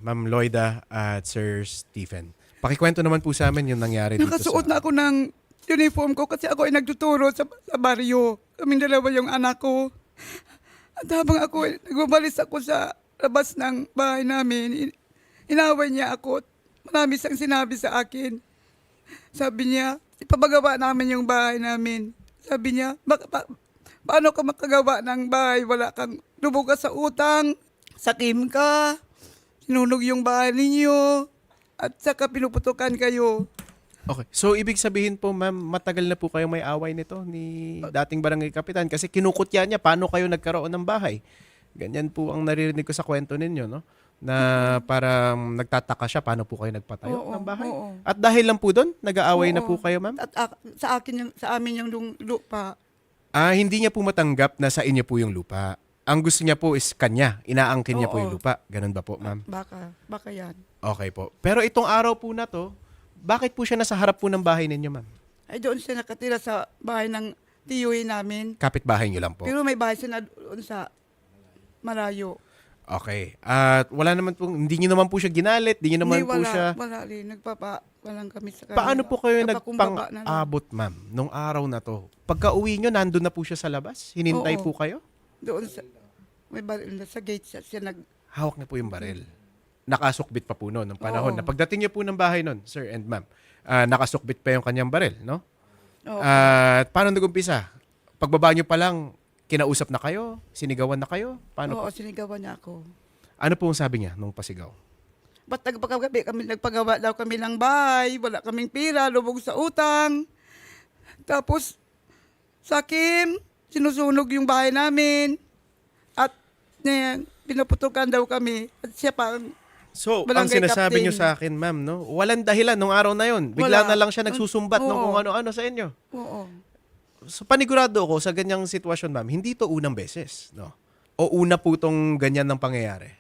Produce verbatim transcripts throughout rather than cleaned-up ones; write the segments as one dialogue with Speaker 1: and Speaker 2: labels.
Speaker 1: Ma'am Loida at Sir Stephen. Pakikwento naman po sa amin yung nangyari dito
Speaker 2: Nakasuot
Speaker 1: sa...
Speaker 2: na ako ng uniform ko kasi ako ay nagtuturo sa, sa baryo. Kaming dalawa yung anak ko. At habang ako, ay- nagbabalis ako sa labas ng bahay namin, in- inaway niya ako. Marami siyang sinabi sa akin. Sabi niya, ipapagawa namin yung bahay namin. Sabi niya, "Bak- pa- paano ka makagawa ng bahay? Wala kang lubog ka sa utang, sakim ka, sinunog yung bahay ninyo, at saka pinuputukan kayo."
Speaker 1: Okay. So, ibig sabihin po, ma'am, matagal na po kayo may away nito ni dating barangay kapitan kasi kinukutya niya paano kayo nagkaroon ng bahay. Ganyan po ang naririnig ko sa kwento ninyo, no? Na parang nagtataka siya paano po kayo nagpatayo
Speaker 2: Oo,
Speaker 1: ng bahay.
Speaker 2: oo.
Speaker 1: At dahil lang po doon, nag-aaway na
Speaker 2: Oo.
Speaker 1: po kayo, ma'am?
Speaker 2: At ak- sa akin yung, sa amin yung lung- lupa.
Speaker 1: Ah, hindi niya po matanggap na sa inyo po yung lupa. Ang gusto niya po is kanya. Inaangkin niya po
Speaker 2: Oo.
Speaker 1: yung lupa. Ganun ba po, ma'am?
Speaker 2: Baka, baka yan.
Speaker 1: Okay po. Pero itong araw po na to, bakit po siya nasa harap po ng bahay ninyo, ma'am?
Speaker 2: Ay doon siya nakatira sa bahay ng tiyuhin namin.
Speaker 1: Kapitbahay niyo lang po.
Speaker 2: Pero may bahay siya na doon sa Malayo.
Speaker 1: Okay. At wala naman po, hindi niyo naman po siya ginalit, hindi niyo naman
Speaker 2: Hindi,
Speaker 1: po
Speaker 2: wala,
Speaker 1: siya...
Speaker 2: wala rin. Nagpapa, walang kami sa kanila.
Speaker 1: Paano po kayo
Speaker 2: Nagpakumbaba na lang.
Speaker 1: nagpang-abot, ma'am, nung araw na to? Pagka uwi niyo, nandun na po siya sa labas? Hinintay
Speaker 2: Oo.
Speaker 1: po kayo?
Speaker 2: Doon sa, may baril na sa gate siya, siya nag,
Speaker 1: Hawak niya po yung baril. Nakasukbit pa po noon, ng panahon.
Speaker 2: Oo.
Speaker 1: Na pagdating niyo po ng bahay noon, sir and ma'am, ah, nakasukbit pa yung kanyang baril, no?
Speaker 2: oh,
Speaker 1: At paano nag-umpisa? Pagbaba niyo pa lang, kinausap na kayo? Sinigawan na kayo? Paano
Speaker 2: oo,
Speaker 1: po?
Speaker 2: sinigawan niya ako.
Speaker 1: Ano po ang sabi niya nung pasigaw?
Speaker 2: Ba't nagpagabi kami, nagpagawa daw kami ng bahay, wala kaming pira, lubog sa utang. Tapos, sakim, sinusunog yung bahay namin. At, eh, pinuputukan daw kami. At siya pa, ang-
Speaker 1: So, ang
Speaker 2: Barangay
Speaker 1: sinasabi
Speaker 2: captain.
Speaker 1: niyo sa akin, ma'am, no? Walang dahilan nung araw na yon. Bigla
Speaker 2: Wala.
Speaker 1: na lang siya nagsusumbat ng
Speaker 2: Oo.
Speaker 1: kung ano-ano sa inyo.
Speaker 2: oo.
Speaker 1: So, panigurado ko sa ganyang sitwasyon, ma'am, hindi to unang beses, no? O una po tong ganyan ng pangyayari?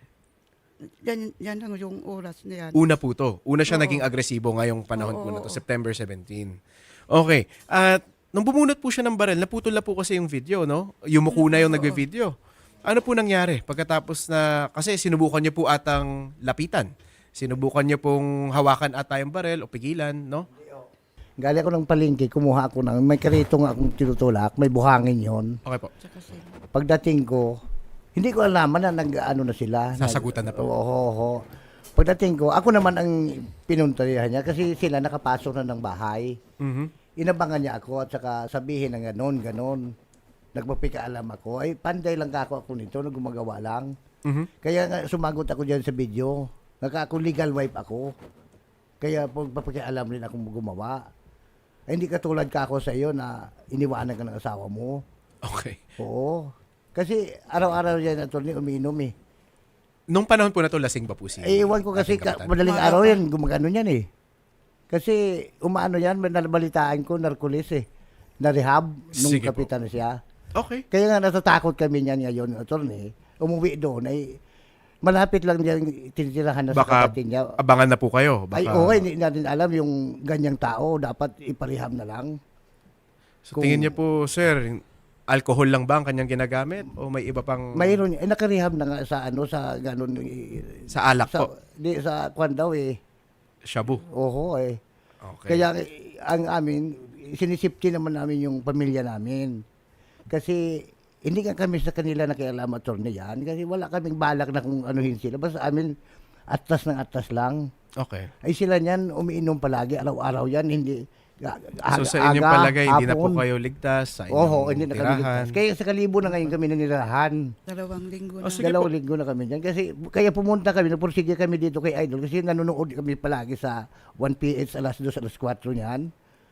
Speaker 2: Yan, yan ang yung oras na yan.
Speaker 1: Una po to. Una siya
Speaker 2: Oo.
Speaker 1: naging agresibo ngayong panahon po
Speaker 2: Oo,
Speaker 1: na to,
Speaker 2: oo.
Speaker 1: September seventeenth. Okay. At nung bumunot po siya ng baril, naputol na po kasi yung video, no? Yumuko na yung
Speaker 2: Oo.
Speaker 1: nagbe-video. Ano po nangyari pagkatapos na, kasi sinubukan niyo po atang lapitan. Sinubukan niyo pong hawakan ata yung baril o pigilan, no?
Speaker 3: Galing ako ng palengke, kumuha ako ng, may karito nga akong tinutulak, may buhangin yon.
Speaker 1: Okay po.
Speaker 2: Tsaka sila.
Speaker 3: Pagdating ko, hindi ko alam na nag-ano na sila.
Speaker 1: Sasagutan na po.
Speaker 3: Oo, oo, oo. Pagdating ko, ako naman ang pinuntarihan niya kasi sila nakapasok na ng bahay.
Speaker 1: Mhm.
Speaker 3: Inabangan niya ako at saka sabihin ng ganon, ganon. Nagpapikaalam ako. Ay, panday lang ka ako, ako nito, na gumagawa lang.
Speaker 1: Mhm.
Speaker 3: Kaya nga sumagot ako dyan sa video. Naka ako legal wife ako. Kaya pagpapakialam rin akong gumawa. Ay, hindi katulad ka ako sa iyo na iniwanan ka ng asawa mo.
Speaker 1: Okay.
Speaker 3: Oo. Kasi araw-araw yan attorney umiinom eh.
Speaker 1: Nung panahon po na to, lasing pa po si...
Speaker 3: Eh, iwan ko kasi
Speaker 1: ating
Speaker 3: ka,
Speaker 1: kapitan?
Speaker 3: madaling
Speaker 2: Wala
Speaker 3: araw
Speaker 2: pa.
Speaker 3: yan, gumagano yan eh. Kasi umaano yan, nabalitaan ko, narcolis eh. Na-rehab nung
Speaker 1: Sige po.
Speaker 3: kapitan na siya.
Speaker 1: Okay.
Speaker 3: Kaya nga natatakot kami niyan ngayon, attorney. Umuwi doon ay malapit lang diyan tinitirahan na
Speaker 1: Baka
Speaker 3: sa kapatid niya.
Speaker 1: abangan na po kayo. Baka...
Speaker 3: Ay, okay, hindi natin alam yung ganyang tao, dapat iparehab na lang.
Speaker 1: So, tingin niyo po, sir, alcohol lang ba ang kanyang ginagamit? O may iba pang...
Speaker 3: Mayroon, eh, nakarehab na nga sa ano, sa ganon. eh,
Speaker 1: Sa alak
Speaker 3: sa,
Speaker 1: po?
Speaker 3: di, sa kwan daw eh.
Speaker 1: Shabu.
Speaker 3: Oho eh.
Speaker 1: Okay.
Speaker 3: Kaya eh, ang amin, sinisipti naman namin yung pamilya namin. Kasi hindi nga kami sa kanila nakialam attorney yan. Kasi wala kaming balak na kung anuhin sila. Basta amin, atas ng atas lang.
Speaker 1: Okay.
Speaker 3: Ay sila niyan, umiinom palagi, araw-araw yan. Hindi, a-
Speaker 1: So sa inyong
Speaker 3: aga,
Speaker 1: palagay, hindi na po
Speaker 3: hapon.
Speaker 1: kayo ligtas sa inyong
Speaker 3: Oho, hindi na kami
Speaker 1: tirahan.
Speaker 3: ligtas. Kaya sa kalibo na ngayon kami nanirahan.
Speaker 2: Dalawang linggo na.
Speaker 1: Oh, sige
Speaker 3: Dalawang
Speaker 1: po.
Speaker 3: linggo na kami dyan. Kasi kaya pumunta kami, nagpursige kami dito kay Idol. Kasi nanonood kami palagi sa one P H alas dos, alas kwatro niyan.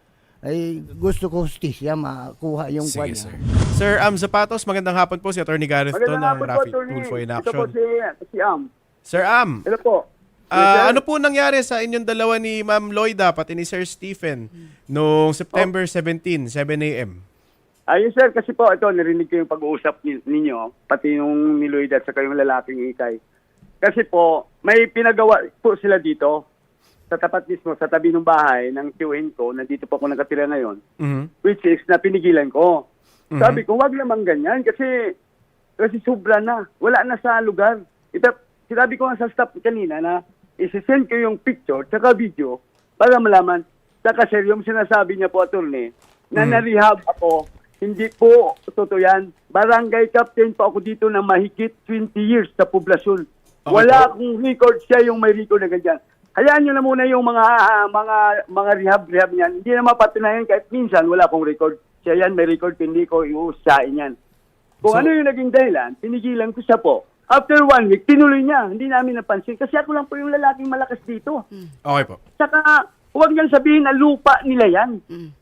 Speaker 3: Ay gusto ko hustisya, makuha yung kwan
Speaker 1: Sige,
Speaker 3: niya.
Speaker 1: sir. Sir Am Zapatos, magandang hapon po si Attorney Gareth to ng
Speaker 4: Magandang hapon po,
Speaker 1: Rapid
Speaker 4: Attorney.
Speaker 1: Tulfo in
Speaker 4: Ito po
Speaker 1: Action.
Speaker 4: si, si Am.
Speaker 1: Sir Am,
Speaker 4: Hello po.
Speaker 1: ah,
Speaker 4: Yes, sir.
Speaker 1: ano po nangyari sa inyong dalawa ni Ma'am Loida pati ni Sir Stephen noong September seventeenth, seven a m?
Speaker 4: Ayun sir, kasi po ito, narinig ko yung pag-uusap ni- ninyo, pati yung ni Lloyd at saka yung lalaking ikay. Kasi po, may pinagawa po sila dito, sa tapat mismo, sa tabi ng bahay ng tiyuhin ko, nandito po ako nakatira ngayon,
Speaker 1: Mhm.
Speaker 4: which is na pinigilan ko.
Speaker 1: Mhm.
Speaker 4: Sabi ko, wag naman ganyan kasi kasi sobra na. Wala na sa lugar. Ito, sinabi ko nga sa staff kanina na isi-send ko yung picture tsaka video para malaman. Saka sir, yung sinasabi niya po, attorney, na
Speaker 1: Mm.
Speaker 4: na-rehab ako, hindi po totoo yan. Barangay captain po ako dito na mahigit twenty years sa poblasyon.
Speaker 1: Okay
Speaker 4: Wala
Speaker 1: po.
Speaker 4: akong record, siya yung may record na ganyan. Hayaan nyo na muna yung mga ah, mga mga rehab-rehab niyan. Hindi na mapatunayan kahit minsan wala akong record. Siya yan, may record, hindi ko iusain yan. Kung
Speaker 1: So-
Speaker 4: ano yung naging dahilan, pinigilan ko siya po. After one week, tinuloy niya. Hindi namin napansin. Kasi ako lang po yung lalaking malakas dito.
Speaker 1: Okay po.
Speaker 4: Saka, huwag niyang sabihin na lupa nila yan.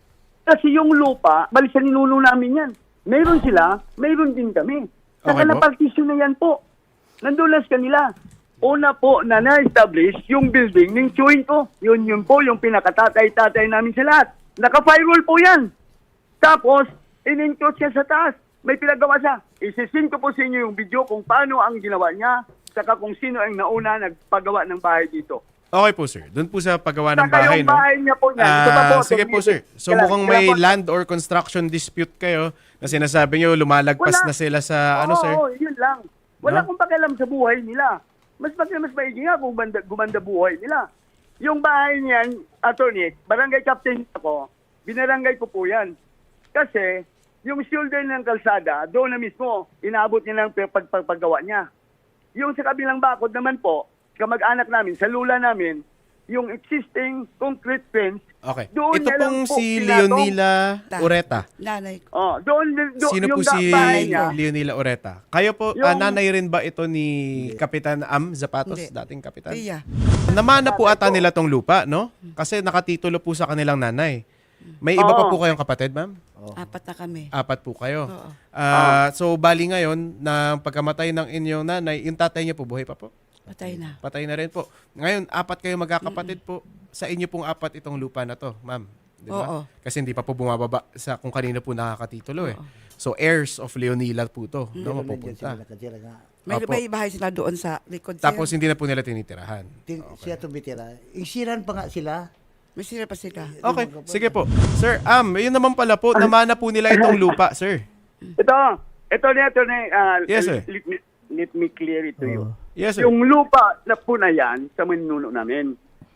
Speaker 4: Kasi yung lupa, balik sa ninuno namin yan. Meron sila, meron din kami. Saka
Speaker 1: Okay po.
Speaker 4: na-partition na yan po. Nandun lang sa kanila. Una po na na-establish yung building ng chewing ko. Yun yun po, yung pinakatatay-tatay namin sa lahat. Naka-firewall po yan. Tapos, in-enclose siya sa taas. May pinagawa siya. Isisin ko po sa inyo yung video kung paano ang ginawa niya, saka kung sino ang nauna nagpagawa ng bahay dito.
Speaker 1: Okay po, sir. Doon po sa paggawa ng
Speaker 4: Saka
Speaker 1: bahay,
Speaker 4: yung
Speaker 1: no?
Speaker 4: bahay niya po niyan. Ito pa
Speaker 1: Ah,
Speaker 4: po,
Speaker 1: sige
Speaker 4: ito,
Speaker 1: po, sir. So
Speaker 4: kailan-
Speaker 1: mukhang
Speaker 4: kailan
Speaker 1: may
Speaker 4: po-
Speaker 1: land or construction dispute kayo na sinasabi nyo lumalagpas
Speaker 4: Wala.
Speaker 1: na sila sa ano,
Speaker 4: Oo,
Speaker 1: sir?
Speaker 4: Oo, yun lang. Wala
Speaker 1: No?
Speaker 4: akong pakialam sa buhay nila. Mas mas mas maigi nga kung banda, gumanda buhay nila. Yung bahay niyan, attorney, barangay captain ako, binarangay ko po yan. Kasi, yung shoulder ng kalsada, doon na mismo, inaabot niya ng pag- pag- paggawa niya. Yung sa kabilang bakod naman po, kamag-anak namin, sa lula namin, yung existing concrete fence,
Speaker 1: Okay.
Speaker 4: doon
Speaker 1: Ito
Speaker 4: niya lang
Speaker 1: pong
Speaker 4: po
Speaker 1: si
Speaker 4: pinatong.
Speaker 1: Leonila Ureta.
Speaker 2: Nanay ko.
Speaker 4: Oh, doon, doon
Speaker 1: Sino po
Speaker 4: yung
Speaker 1: si
Speaker 4: bahay niya.
Speaker 1: Leonila Ureta? Kayo po,
Speaker 4: Yung-
Speaker 1: ah, nanay rin ba ito ni Kapitan Am Zapatos,
Speaker 2: Hindi.
Speaker 1: dating kapitan?
Speaker 2: Tiya.
Speaker 1: Namana po ata nila tong lupa, no? Kasi nakatitulo po sa kanilang nanay. May iba pa
Speaker 4: Oo.
Speaker 1: po kayong kapatid, ma'am?
Speaker 2: Apat na kami.
Speaker 1: Apat po kayo.
Speaker 2: Oo.
Speaker 1: Ah, so, bali ngayon, na pagkamatay ng inyong nanay, yung tatay niya po, buhay pa po?
Speaker 2: Patay na.
Speaker 1: Patay na rin po. Ngayon, apat kayo magkakapatid po. Sa inyo pong apat itong lupa na to, ma'am. Di ba?
Speaker 2: Oo.
Speaker 1: Kasi hindi pa po bumababa sa kung kanino po nakakatitulo eh. So, heirs of Leonila po to. No,
Speaker 3: Meron din dyan sila
Speaker 1: mapupunta.
Speaker 3: nakatira nga.
Speaker 2: May,
Speaker 1: Opo.
Speaker 2: may bahay sila doon sa likod. sir.
Speaker 1: Tapos, hindi na po nila tinitirahan.
Speaker 3: Tin- Siya tumitira. Insiran pa nga sila.
Speaker 2: May sila pa sila.
Speaker 1: Okay, sige po. Sir, Am, yun naman pala po, namana po nila itong lupa, sir.
Speaker 4: Ito, ito na, ito na, ah,
Speaker 1: Yes, sir.
Speaker 4: let, me, let me clear it to you.
Speaker 1: Yes, sir.
Speaker 4: Yung lupa na po na yan sa manuno namin.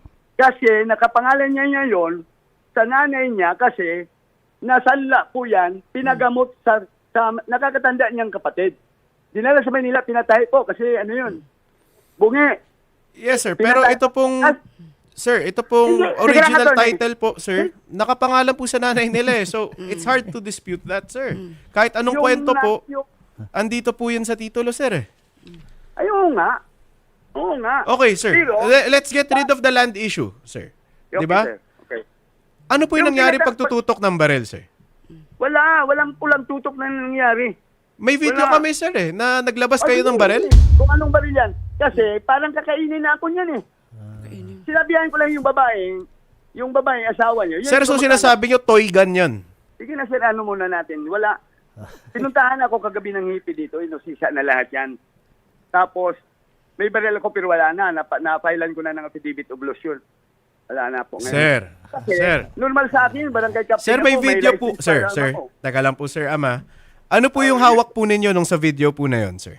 Speaker 4: Kasi nakapangalan niya ngayon sa nanay niya kasi nasanla po yan, pinagamot sa, sa nakakatanda niyang kapatid. Dinala sa Manila, pinatay po kasi ano yun, bungi.
Speaker 1: Yes, sir. Pero
Speaker 4: Pinatay-
Speaker 1: ito pong...
Speaker 4: Ah,
Speaker 1: Sir, ito pong
Speaker 4: Sige, sige,
Speaker 1: original
Speaker 4: attorney.
Speaker 1: title po, sir, nakapangalan po sa nanay nila eh. So, it's hard to dispute that, sir. Kahit anong
Speaker 4: yung
Speaker 1: kwento
Speaker 4: na-
Speaker 1: po,
Speaker 4: yung-
Speaker 1: andito po yun sa titulo, sir eh.
Speaker 4: ay, oo nga. Oo nga.
Speaker 1: Okay, sir.
Speaker 4: Pero,
Speaker 1: Le- Let's get rid of the land issue, sir.
Speaker 4: okay,
Speaker 1: Di ba?
Speaker 4: sir. Okay.
Speaker 1: Ano po yung
Speaker 4: Yung
Speaker 1: nangyari
Speaker 4: pinaka-
Speaker 1: pagtututok ng barel, sir?
Speaker 4: Wala, walang pulang tutok na nangyari.
Speaker 1: May video
Speaker 4: Wala.
Speaker 1: kami, sir eh, na naglabas kayo
Speaker 4: Ay,
Speaker 1: ng
Speaker 4: hindi,
Speaker 1: barel.
Speaker 4: hindi. Kung anong baril yan. Kasi parang kakainin na ako niyan eh.
Speaker 2: Kainin.
Speaker 4: Sinabihan ko lang yung babae, yung babae, asawa niyo. Yun
Speaker 1: Sir,
Speaker 4: yung
Speaker 1: so
Speaker 4: kamag-anak.
Speaker 1: sinasabi nyo, toy gun yun.
Speaker 4: Sige na sir, ano muna natin. Wala. Pinuntahan ako kagabi ng hippie dito. Inosisa na lahat yan. Tapos, may baril ako pero wala na. Napa, na-filean ko na ng affidavit of loss yun. Wala na po ngayon.
Speaker 1: Sir,
Speaker 4: Kasi,
Speaker 1: sir.
Speaker 4: normal sa akin, barangay captain
Speaker 1: Sir, may
Speaker 4: ako,
Speaker 1: video po.
Speaker 4: license
Speaker 1: Sir,
Speaker 4: para
Speaker 1: sir.
Speaker 4: ako.
Speaker 1: Taka lang po, sir, ama. Ano po yung hawak po ninyo nung sa video po na yun, sir?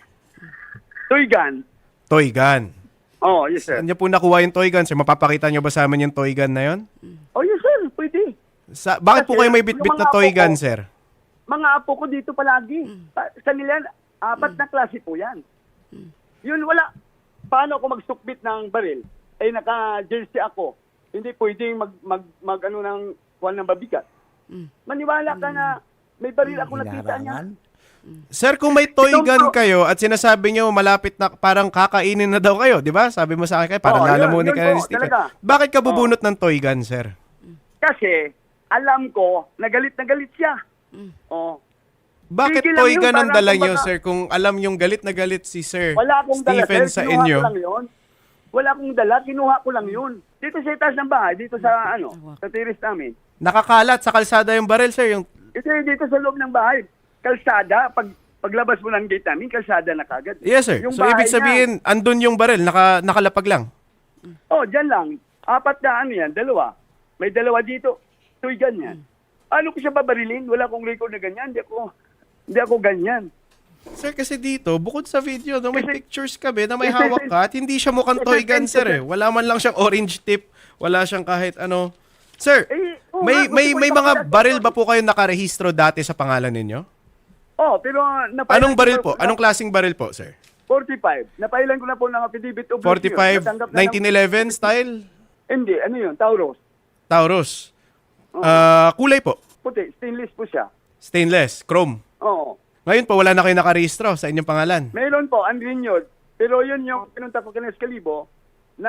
Speaker 4: Toy gun.
Speaker 1: Toy gun.
Speaker 4: Oh, yes sir.
Speaker 1: Saan niyo po nakuha yung toy gun, sir? Mapapakita niyo ba sa amin yung toy gun na yun?
Speaker 4: Oh, yes sir, pwede.
Speaker 1: Sa, bakit po
Speaker 4: Kasi
Speaker 1: kayo may
Speaker 4: yung
Speaker 1: bitbit na
Speaker 4: mga
Speaker 1: toy
Speaker 4: apo
Speaker 1: gun,
Speaker 4: ko-
Speaker 1: sir?
Speaker 4: Mga apo ko dito palagi. Pa- Sa nila, apat na klase po yan. Yun, wala. Paano ako magsukbit ng baril? Eh, naka-jersey ako. Hindi pwedeng mag, mag, mag ano ng kuwan ng babigat. Maniwala ka na may baril ako nakita niya.
Speaker 3: Hinarangan.
Speaker 1: Sir, kung may toy
Speaker 4: Itong
Speaker 1: gun
Speaker 4: pro-
Speaker 1: kayo at sinasabi niyo malapit na parang kakainin na daw kayo, di ba? Sabi mo sa akin, parang
Speaker 4: Oo, yun,
Speaker 1: lalamunin
Speaker 4: yun
Speaker 1: ka na
Speaker 4: po,
Speaker 1: ni Stephen.
Speaker 4: talaga.
Speaker 1: Bakit ka bubunot ng toy gun, sir?
Speaker 4: Kasi, alam ko, nagalit na galit siya. Oh.
Speaker 1: Bakit
Speaker 4: Tigil lang
Speaker 1: toy
Speaker 4: yun,
Speaker 1: gun ang
Speaker 4: parang
Speaker 1: dala niyo,
Speaker 4: kumbaga-
Speaker 1: sir? Kung alam yung galit na galit si Sir
Speaker 4: Wala akong dala,
Speaker 1: Stephen
Speaker 4: sir.
Speaker 1: sa
Speaker 4: Kinuha
Speaker 1: inyo.
Speaker 4: ko lang yun. Wala akong dala, kinuha ko lang yun. Dito sa itaas ng bahay, dito sa ano, sa terrace namin.
Speaker 1: Nakakalat sa kalsada yung barel, sir. Yung
Speaker 4: Ito yung dito sa loob ng bahay. Kalsada, pag paglabas mo ng gate namin, kalsada na kagad.
Speaker 1: Yes, sir.
Speaker 4: Yung
Speaker 1: So, ibig
Speaker 4: bahay
Speaker 1: sabihin, andun yung barel, naka, nakalapag lang.
Speaker 4: niya, oh, dyan lang. Apat na ano yan, dalawa. May dalawa dito. Toy gun yan. Ano ko siya babarilin? Wala akong record na ganyan. Hindi ako, hindi ako ganyan.
Speaker 1: Sir, kasi dito, bukod sa video, no, may
Speaker 4: Kasi-
Speaker 1: pictures kami na may
Speaker 4: kasi-
Speaker 1: hawak ka at hindi siya mukhang toy gun, sir. Eh. Wala man lang siyang orange tip. Wala siyang kahit ano. Sir,
Speaker 4: Eh, oo
Speaker 1: may
Speaker 4: nga,
Speaker 1: may
Speaker 4: gusto ko
Speaker 1: may mga
Speaker 4: ipakita-
Speaker 1: baril ba po kayo nakarehistro dati sa pangalan ninyo?
Speaker 4: Oh, pero uh, napailan
Speaker 1: Anong
Speaker 4: ko
Speaker 1: baril
Speaker 4: na-
Speaker 1: po? Anong klaseng baril po, sir?
Speaker 4: forty-five. Napailan ko na po ng affidavit of
Speaker 1: forty-five,
Speaker 4: Natanggap na ng-
Speaker 1: nineteen eleven style?
Speaker 4: Hindi, ano yun? Taurus.
Speaker 1: Taurus. Ah, kulay po?
Speaker 4: Puti, stainless po siya.
Speaker 1: Stainless, chrome.
Speaker 4: Oo.
Speaker 1: Ngayon po, wala na kayo nakarehistro sa inyong pangalan.
Speaker 4: Meron po, unrenewed. Pero yun yung pinunta ko kina Escalibo na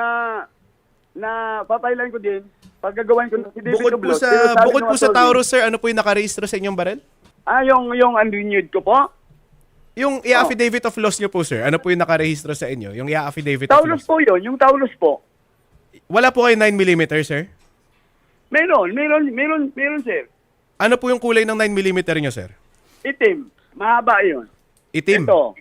Speaker 4: na papailan ko din pag gagawin ko ng affidavit
Speaker 1: Bukod
Speaker 4: of
Speaker 1: po
Speaker 4: loss.
Speaker 1: sa
Speaker 4: Pero sabi
Speaker 1: bukod
Speaker 4: ng
Speaker 1: po sa
Speaker 4: attorney,
Speaker 1: Taurus, sir, ano po yung nakarehistro sa inyong baril?
Speaker 4: Ah, yung, yung unrenewed ko po.
Speaker 1: Yung i-affidavit of loss nyo po, sir. Ano po yung nakarehistro sa inyo? Yung i-affidavit of
Speaker 4: Taurus
Speaker 1: loss.
Speaker 4: po yun, yung Taurus po.
Speaker 1: Wala po kayo nine millimeter, sir?
Speaker 4: Meron, meron, meron, meron sir.
Speaker 1: Ano po yung kulay ng nine millimeter nyo, sir?
Speaker 4: Itim. Mahaba yun.
Speaker 1: Itim.
Speaker 4: Ito.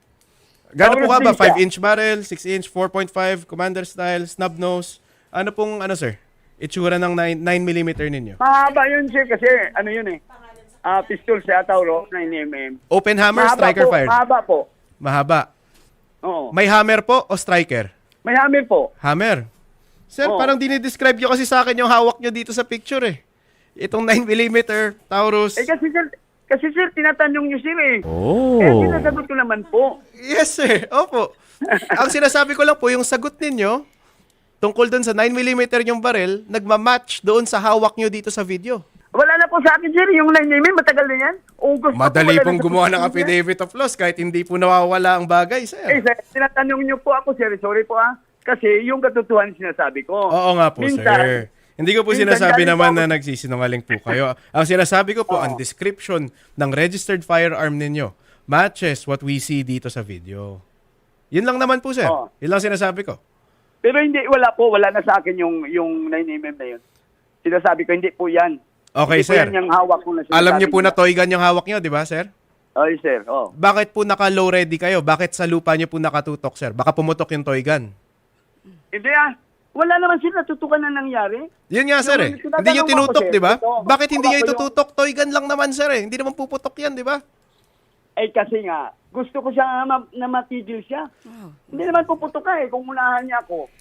Speaker 1: Gano'n po
Speaker 4: Taurus
Speaker 1: ka ba?
Speaker 4: din siya.
Speaker 1: five inch barrel, six inch, four point five, commander style, snub nose. Ano pong, ano, sir? Itsura ng nine millimeter ninyo.
Speaker 4: Mahaba yun sir kasi ano yun eh. Ah, pistol sa Taurus, nine millimeter.
Speaker 1: Open hammer,
Speaker 4: Mahaba
Speaker 1: striker
Speaker 4: po,
Speaker 1: fired.
Speaker 4: Mahaba po.
Speaker 1: Mahaba.
Speaker 4: Oo.
Speaker 1: May hammer po o striker?
Speaker 4: May hammer po.
Speaker 1: Hammer. Sir,
Speaker 4: Oo.
Speaker 1: parang dinidescribe nyo kasi sa akin yung hawak nyo dito sa picture eh. Itong nine millimeter, Taurus.
Speaker 4: Eh kasi sir, kasi sir, tinatanong niyo sir eh. Oh. Eh, sinasagot ko naman po.
Speaker 1: Yes, sir. Opo. Ang sinasabi ko lang po, yung sagot ninyo, tungkol doon sa nine millimeter yung baril, nagmamatch doon sa hawak nyo dito sa video.
Speaker 4: Wala na po sa akin sir, yung nine millimeter, matagal na yan. August pa po,
Speaker 1: Madali
Speaker 4: wala na
Speaker 1: pong
Speaker 4: sa
Speaker 1: gumawa ng
Speaker 4: pagkakas, sir.
Speaker 1: affidavit of loss kahit hindi po nawawala ang bagay,
Speaker 4: Eh
Speaker 1: sir.
Speaker 4: sir, tinatanong niyo po ako sir, sorry po ah. Kasi yung katotohanan sinasabi ko.
Speaker 1: Oo nga po,
Speaker 4: Minsan,
Speaker 1: sir. Hindi ko po
Speaker 4: minsan
Speaker 1: sinasabi
Speaker 4: galing
Speaker 1: naman
Speaker 4: po
Speaker 1: na
Speaker 4: ako-
Speaker 1: nagsisinungaling po kayo. Ang sinasabi ko po, ang description ng registered firearm ninyo matches what we see dito sa video. Yun lang naman po, sir.
Speaker 4: Oo.
Speaker 1: Yun lang sinasabi ko.
Speaker 4: Pero hindi, wala po, wala na sa akin yung, yung nine millimeter na yun. Sinasabi ko, hindi po yan.
Speaker 1: Okay,
Speaker 4: Hindi po
Speaker 1: sir.
Speaker 4: yan yung hawak ko na sinasabi
Speaker 1: Alam niyo po na
Speaker 4: niya.
Speaker 1: toy gun yung hawak niyo, di ba, sir?
Speaker 4: Ay sir, oh.
Speaker 1: Bakit po naka-low ready kayo? Bakit sa lupa niyo po nakatutok, sir? Baka pumutok yung toy gun.
Speaker 4: Hindi ah. Wala naman sila natutukan na nangyari.
Speaker 1: Yun nga, sir, eh.
Speaker 4: Yung
Speaker 1: Hindi niyo
Speaker 4: tinatanong ko,
Speaker 1: tinutok,
Speaker 4: sir,
Speaker 1: di ba?
Speaker 4: ito,
Speaker 1: Bakit hindi
Speaker 4: baka
Speaker 1: niyo
Speaker 4: po yung-
Speaker 1: itututok? Toy gun lang naman, sir, eh. Hindi naman puputok yan, di ba?
Speaker 4: Eh kasi nga, gusto ko siya ma- na matigil siya. Hindi naman puputok ka eh, kung unahan niya ako.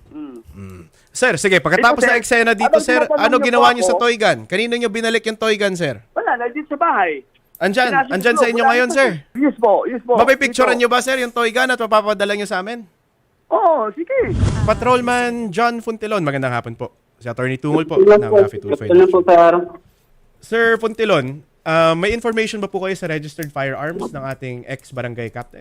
Speaker 4: Mm.
Speaker 1: Sir, sige, pagkatapos
Speaker 4: Ito, sir,
Speaker 1: ng eksena dito,
Speaker 4: habang
Speaker 1: sir,
Speaker 4: tinatanong
Speaker 1: ano
Speaker 4: niyo
Speaker 1: ginawa
Speaker 4: po
Speaker 1: niyo sa
Speaker 4: ako-
Speaker 1: toy gun? Kanino niyo binalik yung toy gun, sir?
Speaker 4: Wala, na dito sa bahay.
Speaker 1: Andyan,
Speaker 4: Pinasok
Speaker 1: andyan
Speaker 4: ko,
Speaker 1: sa inyo
Speaker 4: wala
Speaker 1: ngayon,
Speaker 4: na-
Speaker 1: sir.
Speaker 4: Yes po, yes po.
Speaker 1: Mapipicturean
Speaker 4: Dito.
Speaker 1: niyo ba, sir, yung toy gun at mapapadala niyo sa amin?
Speaker 4: Oo, sige.
Speaker 1: Patrolman John Funtilon, magandang hapon po. Si Attorney Tungol po ng Rafi Tulfo.
Speaker 5: Ano po, sir?
Speaker 1: Sir Funtilon, ah, may information ba po kayo sa registered firearms ng ating ex-barangay captain?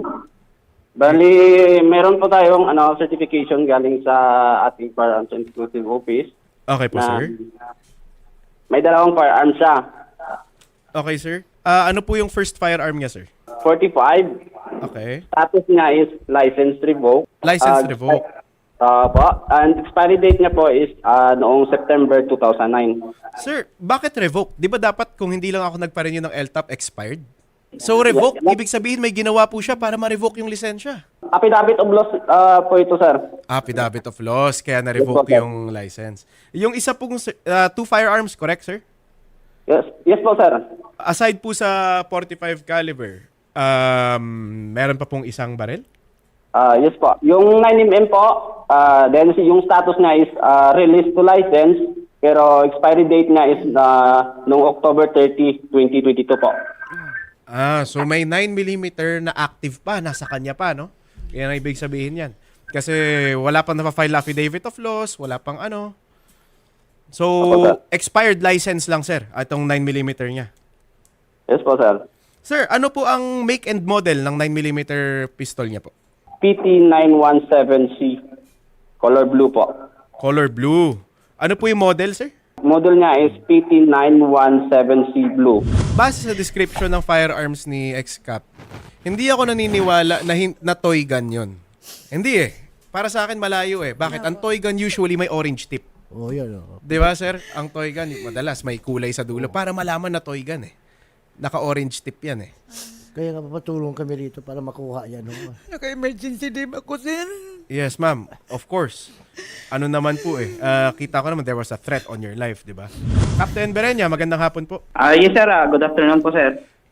Speaker 5: Bali, meron po tayong ano, certification galing sa ating Firearms and Explosive Office.
Speaker 1: Okay po,
Speaker 5: na
Speaker 1: sir.
Speaker 5: may dalawang firearms siya.
Speaker 1: Okay, sir. Ah, ano po yung first firearm niya, sir?
Speaker 5: forty-five.
Speaker 1: Okay.
Speaker 5: Status niya is license revoked.
Speaker 1: License
Speaker 5: Ah,
Speaker 1: revoked.
Speaker 5: ah, po. And expiry date niya po is ah, noong September two thousand nine.
Speaker 1: Sir, bakit revoke? Di ba dapat kung hindi lang ako nagpa-renew ng L T A P, expired? So revoke, ibig sabihin may ginawa po siya para ma-revoke yung lisensya.
Speaker 5: Affidavit of loss ah, po ito, sir.
Speaker 1: Affidavit of loss, kaya na-revoke
Speaker 5: Yes, po, sir.
Speaker 1: yung license. Yung isa pong uh, two firearms, correct, sir?
Speaker 5: Yes, yes po, sir.
Speaker 1: Aside po sa forty-five caliber, um, meron pa pong isang baril?
Speaker 5: Ah, yes po. Yung nine millimeter po, ah, then si- yung status niya is ah, release to license, pero expiry date niya is uh, noong October thirtieth, twenty twenty-two po.
Speaker 1: Ah, so may nine millimeter na active pa, nasa kanya pa, no? Yan ang ibig sabihin yan. Kasi wala pang napafile affidavit of loss, wala pang ano. So,
Speaker 5: Opo, sir.
Speaker 1: expired license lang, sir, itong nine millimeter niya.
Speaker 5: Yes po, sir.
Speaker 1: Sir, ano po ang make and model ng nine millimeter pistol niya po?
Speaker 5: P T nine seventeen C, color blue po.
Speaker 1: Color blue. Ano po yung model, sir?
Speaker 5: Model niya is P T nine seventeen C blue.
Speaker 1: Base sa description ng firearms ni X-Cap, hindi ako naniniwala na, hin- na toy gun yun. Hindi eh. Para sa akin malayo eh. Bakit? Ang toy gun usually may orange tip.
Speaker 3: Oh, yun. Oh.
Speaker 1: Di ba, sir? Ang toy gun, madalas may kulay sa dulo para malaman na toy gun eh. Naka-orange tip yan eh.
Speaker 3: Kaya nga papatulong kami rito para makuha yan. Oh.
Speaker 2: Naka-emergency din ako, sir.
Speaker 1: Yes, ma'am. Of course. Ano naman po eh. ah, kita ko naman there was a threat on your life, di ba? Captain Berenya, magandang hapon po.
Speaker 6: Ah, yes sir, Ah, good afternoon po sir.
Speaker 1: Cap,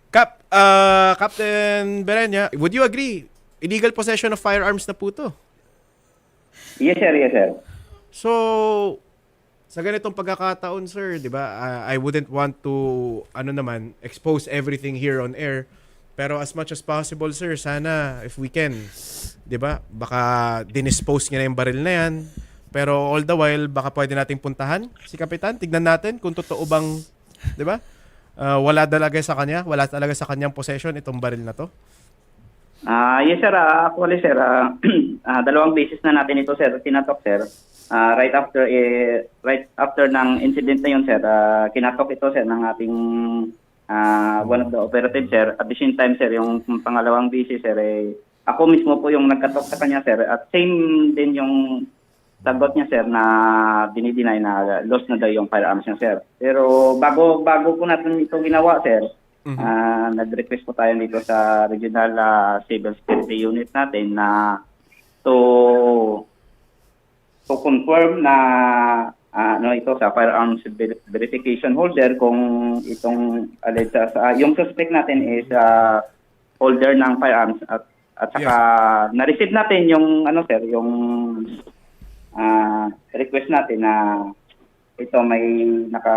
Speaker 1: uh, Captain Berenya, would you agree? Illegal possession of firearms na po to.
Speaker 5: Yes, sir. Yes, sir.
Speaker 1: So, sa ganitong pagkakataon, sir, di ba, uh, I wouldn't want to, ano naman, expose everything here on air. Pero as much as possible, sir, sana, if we can, di ba, baka dinispose niya na yung baril na yan. Pero all the while, baka pwede nating puntahan si Kapitan. Tignan natin kung totoo bang, di ba, uh, wala talaga sa kanya, wala talaga sa kanyang possession itong baril na to.
Speaker 5: Ah, yes, sir. Ah, actually, sir, ah, ah, dalawang beses na natin ito, sir, tinatok, sir. Ah, right after eh, right after ng incident na yun, sir, ah, kinatok ito, sir, ng ating ah, one of the operative, sir. At the same time, sir, yung pangalawang beses, sir, eh, ako mismo po yung nagkatok sa kanya, sir. At same din yung sagot niya, sir, na dinideny na lost na daw yung firearms niya, sir. Pero bago bago po natin ito ginawa, sir,
Speaker 1: Mhm.
Speaker 5: ah, nag-request po tayo dito sa Regional ah, Civil Security Unit natin na to to confirm na ah, ano ito sa firearms ver- verification holder kung itong alleged sa yung suspect natin is ah, holder ng firearms at at saka na-receive natin yung ano sir yung ah, request natin na ito may naka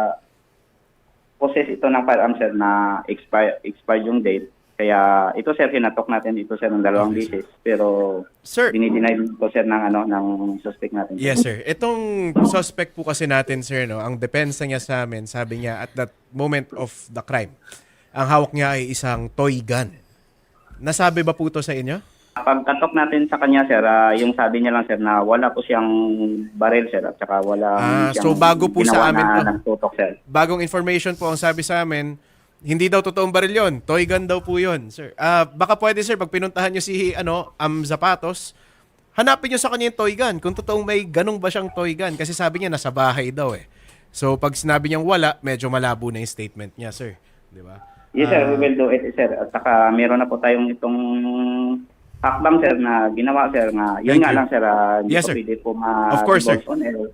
Speaker 5: possess ito ng firearms sir na expire expired yung date. Kaya ito sir hinatok natin ito sir ng dalawang
Speaker 1: Okay, sir.
Speaker 5: beses pero
Speaker 1: Sir,
Speaker 5: dinideny ko sir ng ano ng suspect natin.
Speaker 1: yes, sir. Itong suspect po kasi natin, sir, no, ang depensa niya sa amin, sabi niya, at that moment of the crime, ang hawak niya ay isang toy gun. Nasabi ba po ito sa inyo?
Speaker 5: Pagkatok natin sa kanya sir, ah, yung sabi niya lang sir na wala po siyang baril sir at saka wala
Speaker 1: Ah,
Speaker 5: siyang
Speaker 1: so bago po sa
Speaker 5: ginawa
Speaker 1: amin
Speaker 5: na
Speaker 1: to.
Speaker 5: nagtutok sir.
Speaker 1: Bagong information po ang sabi sa amin, hindi daw totoong baril yun. Toy gun daw po yun, sir. Ah, baka pwede, sir, pag pinuntahan niyo si ano, Am Zapatos, hanapin niyo sa kanya yung toy gun. Kung totoong may ganong ba siyang toy gun. Kasi sabi niya, nasa bahay daw eh. So, pag sinabi niyang wala, medyo malabo na yung statement niya, sir. Di ba?
Speaker 5: Yes sir, we will do it sir. At saka meron na po tayong itong hakbang sir na ginawa sir na yun
Speaker 1: Thank
Speaker 5: nga
Speaker 1: you.
Speaker 5: lang sir, ah, hindi
Speaker 1: Yes,
Speaker 5: po
Speaker 1: sir.
Speaker 5: pwede po ma-
Speaker 1: Of course, sir.
Speaker 5: on air.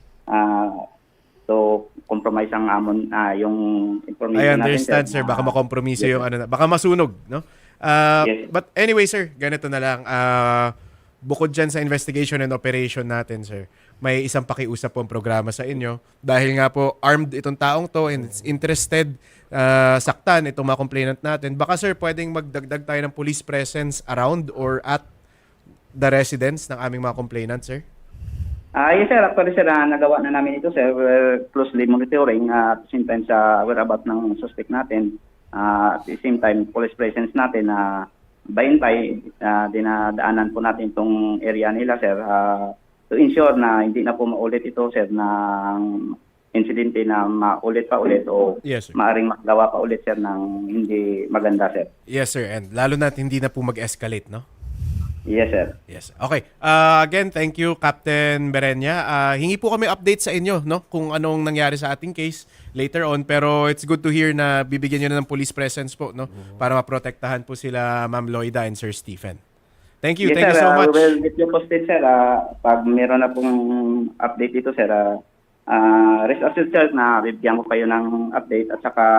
Speaker 5: Ah, so compromise ang amon ah, yung information
Speaker 1: I
Speaker 5: natin
Speaker 1: understand, sir.
Speaker 5: na-
Speaker 1: Baka makompromiso
Speaker 5: Yes,
Speaker 1: yung
Speaker 5: sir.
Speaker 1: ano na. Baka masunog, no? Ah,
Speaker 5: Yes.
Speaker 1: But anyway, sir, ganito na lang. Ah, bukod dyan sa investigation and operation natin, sir, may isang pakiusap po ang programa sa inyo. Dahil nga po, armed itong taong to and it's interested ah, saktan itong mga complainant natin. Baka, sir, pwedeng magdagdag tayo ng police presence around or at the residence ng aming mga complainant, sir?
Speaker 5: Ah, yes sir, actually sir, ah, nagawa na namin ito sir. We're closely monitoring ah, at the same time sa whereabouts ng suspect natin. Ah, at the same time, police presence natin na by and by, ah, dinadaanan po natin itong area nila sir ah, to ensure na hindi na po maulit ito sir ng insidente na maulit pa ulit o
Speaker 1: Yes, sir.
Speaker 5: maaring magawa pa ulit sir ng hindi maganda sir.
Speaker 1: Yes, sir. And lalo na hindi na po mag-escalate, no?
Speaker 5: Yes sir.
Speaker 1: Yes. Okay. Uh, again, thank you, Captain Berenya. Uh, hingi po kami update sa inyo, no? Kung anong nangyari sa ating case later on. Pero it's good to hear na bibigyan nyo na ng police presence po, no? Para maprotektahan po sila Ma'am Loida and Sir Stephen. Thank you.
Speaker 5: Yes,
Speaker 1: Thank
Speaker 5: sir,
Speaker 1: you so
Speaker 5: ah,
Speaker 1: much.
Speaker 5: we will get you posted, sir. Ah, pag meron na pong update dito, sir, ah, ah, rest assured, sir, na bibigyan ko kayo ng update at saka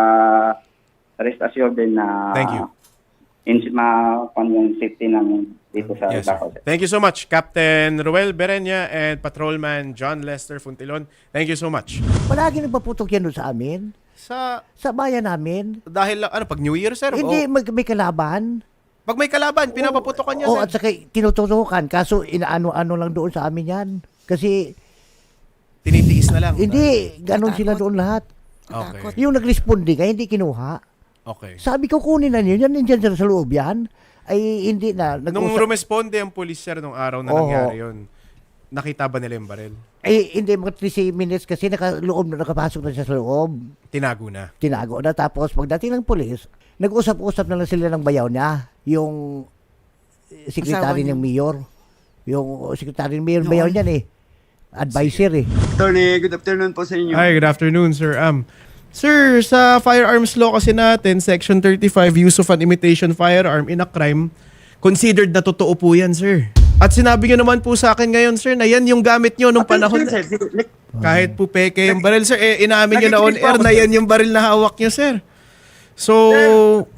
Speaker 5: rest assured din na
Speaker 1: Thank you.
Speaker 5: in, ma, pan yung safety ng dito sa
Speaker 1: Yes, sir.
Speaker 5: Davao, sir.
Speaker 1: Thank you so much, Captain Ruel Berenya and Patrolman John Lester Funtilon. Thank you so much.
Speaker 3: Palagi nagpaputok yan doon sa amin.
Speaker 1: Sa,
Speaker 3: Sa bayan namin.
Speaker 1: dahil, ano, pag New Year, sir?
Speaker 3: Hindi,
Speaker 1: O,
Speaker 3: mag, may kalaban.
Speaker 1: pag may kalaban, pinapaputokan niya,
Speaker 3: Oo,
Speaker 1: sir.
Speaker 3: at saka tinututukan. Kaso inaano-ano lang doon sa amin yan. Kasi
Speaker 1: Tinitiis na lang.
Speaker 3: hindi, ganun
Speaker 2: Natakot.
Speaker 3: sila doon lahat.
Speaker 1: Okay.
Speaker 3: Yung nag-responde ka, hindi kinuha.
Speaker 1: Okay.
Speaker 3: Sabi ko, kunin na niyo. Yan, nandiyan sa loob yan. Ay, hindi na.
Speaker 1: Nung
Speaker 3: Nag-usap.
Speaker 1: rumesponde ang police, sir, nung araw na
Speaker 3: Oo.
Speaker 1: nangyari yun, nakita ba nila yung baril?
Speaker 3: Ay, hindi, mga three minutes kasi nakaloob na, nakapasok na siya sa loob.
Speaker 1: Tinago na.
Speaker 3: Tinago na. Tapos, pagdating ng polis, nag-usap-usap na lang sila ng bayaw niya. Yung eh, sekretary
Speaker 2: Asawa niya.
Speaker 3: ng mayor. Yung sekretary ng mayor, bayaw niyan eh. Advisor eh.
Speaker 6: Attorney, good afternoon po sa inyo.
Speaker 1: Hi, good afternoon, sir. Um, sir, sa firearms law kasi natin, Section thirty-five, use of an imitation firearm in a crime, considered na totoo po yan, sir. At sinabi nyo naman po sa akin ngayon, sir, na yan yung gamit nyo nung panahon.
Speaker 6: Sir, sir, like,
Speaker 1: Kahit po peke yung baril, sir, eh, inamin nyo na on
Speaker 6: Nakikinig po
Speaker 1: air
Speaker 6: ako,
Speaker 1: na
Speaker 6: sir.
Speaker 1: yan yung baril na hawak nyo, sir. So,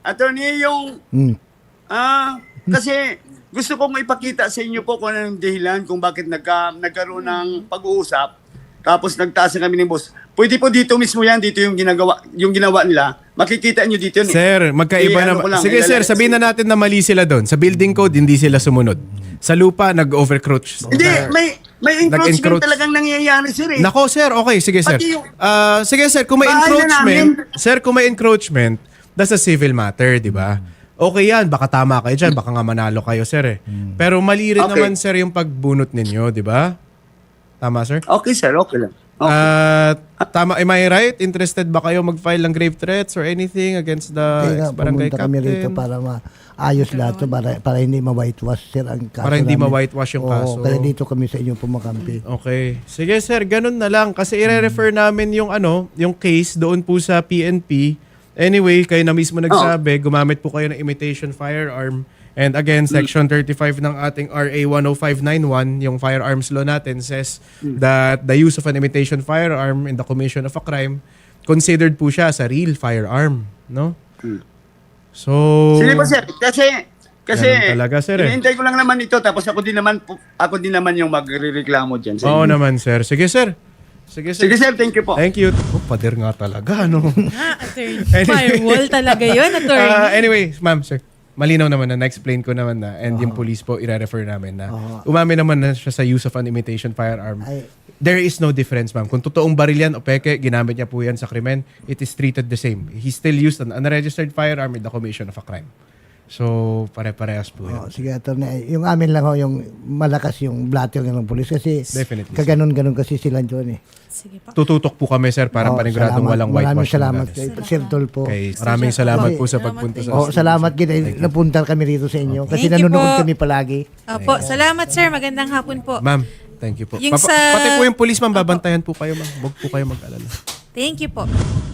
Speaker 4: attorney, yung,
Speaker 3: Hmm.
Speaker 4: ah, kasi gusto kong ipakita sa inyo po kung anong dahilan kung bakit nagka, nagkaroon ng pag-uusap. Tapos nagtaas na kami ng boss. Pwede po dito mismo yan, dito yung ginagawa, yung ginawa nila. Makikita nyo dito yun. eh.
Speaker 1: Sir, magkaiba
Speaker 4: Eh, ano
Speaker 1: na.
Speaker 4: ko lang,
Speaker 1: Sige
Speaker 4: ilala-
Speaker 1: sir, sabihin na natin na mali sila doon. Sa building code, hindi sila sumunod. Sa lupa, nag-overcroach.
Speaker 4: Hindi, may, may encroachment
Speaker 1: Nag-encroach.
Speaker 4: talagang nangyayari, sir eh.
Speaker 1: Nako sir, okay, sige sir.
Speaker 4: Pati yung-
Speaker 1: Ah, sige sir, kung may
Speaker 4: Bahay na
Speaker 1: encroachment,
Speaker 4: namin.
Speaker 1: sir, kung may encroachment, that's a civil matter, di ba? Okay yan, baka tama kayo dyan, baka nga manalo kayo sir eh. Pero mali rin
Speaker 4: Okay.
Speaker 1: naman sir yung pagbunot ninyo, di ba? Tama sir?
Speaker 4: Okay, sir, okay lang. Okay.
Speaker 1: Ah, tama, am I right? Interested ba kayo mag-file ng grave threats or anything against the
Speaker 3: Kaya nga,
Speaker 1: ex-barangay
Speaker 3: pumunta kami rito
Speaker 1: captain?
Speaker 3: para maayos lahat to, para, para hindi ma-whitewash, sir, ang kaso
Speaker 1: Para hindi
Speaker 3: namin.
Speaker 1: ma-whitewash yung
Speaker 3: Oo,
Speaker 1: kaso.
Speaker 3: kaya dito kami sa inyong pumakampi.
Speaker 1: Okay. Sige sir, ganun na lang kasi i-refer namin yung ano, yung case doon po sa P N P. Anyway, kayo na mismo nagsabi, gumamit po kayo ng imitation firearm. And again, section thirty-five ng ating R A one oh five ninety-one, yung firearms law natin says that the use of an imitation firearm in the commission of a crime considered po siya sa real firearm, no? So
Speaker 4: Sige po, sir. Kasi, kasi,
Speaker 1: Ganun talaga, sir, eh.
Speaker 4: hinihintay ko lang naman ito, tapos ako din naman, po- ako din naman yung magre-reklamo dyan. sa
Speaker 1: Oo
Speaker 4: inyo.
Speaker 1: naman sir. Sige sir. Sige sir.
Speaker 4: Sige, sir, thank you po.
Speaker 1: Thank you. Oh, pader nga talaga, no?
Speaker 7: Ah, attorney. Firewall talaga yun, attorney.
Speaker 1: Uh, anyway, ma'am, sir. Malinaw naman na, na-explain ko naman na, and yung police po, i-refer namin na, umamin naman na siya sa use of an imitation firearm.
Speaker 3: Ay.
Speaker 1: There is no difference, ma'am. Kung totoong baril yan o peke, ginamit niya po yan sa krimen, it is treated the same. He still used an unregistered firearm in the commission of a crime. So, pare-parehas po yan.
Speaker 3: Oh, sige, attorney. Yung amin lang ho, yung malakas yung blatter ng polis kasi
Speaker 1: Definitely.
Speaker 3: kaganon-ganon kasi sila doon eh.
Speaker 7: Sige po.
Speaker 1: Tututok po kami, sir, para
Speaker 3: Oh,
Speaker 1: paniguradong
Speaker 3: salamat.
Speaker 1: walang
Speaker 3: Maraming
Speaker 1: whitewash.
Speaker 3: salamat kay Sir Tolpo.
Speaker 1: Okay, maraming salamat po sa pagpunta sa
Speaker 3: Oh, salamat gina napunta kami rito sa inyo kasi
Speaker 7: Thank you
Speaker 3: nanonood
Speaker 7: po.
Speaker 3: kami palagi.
Speaker 7: Opo, salamat sir. Magandang hapon po.
Speaker 1: Ma'am, thank you po.
Speaker 7: Yung
Speaker 1: Papa-
Speaker 7: sa-
Speaker 1: Pati po yung police, ma'am, babantayan po kayo, ma'am. Huwag po kayo mag-alala.
Speaker 7: Thank you po.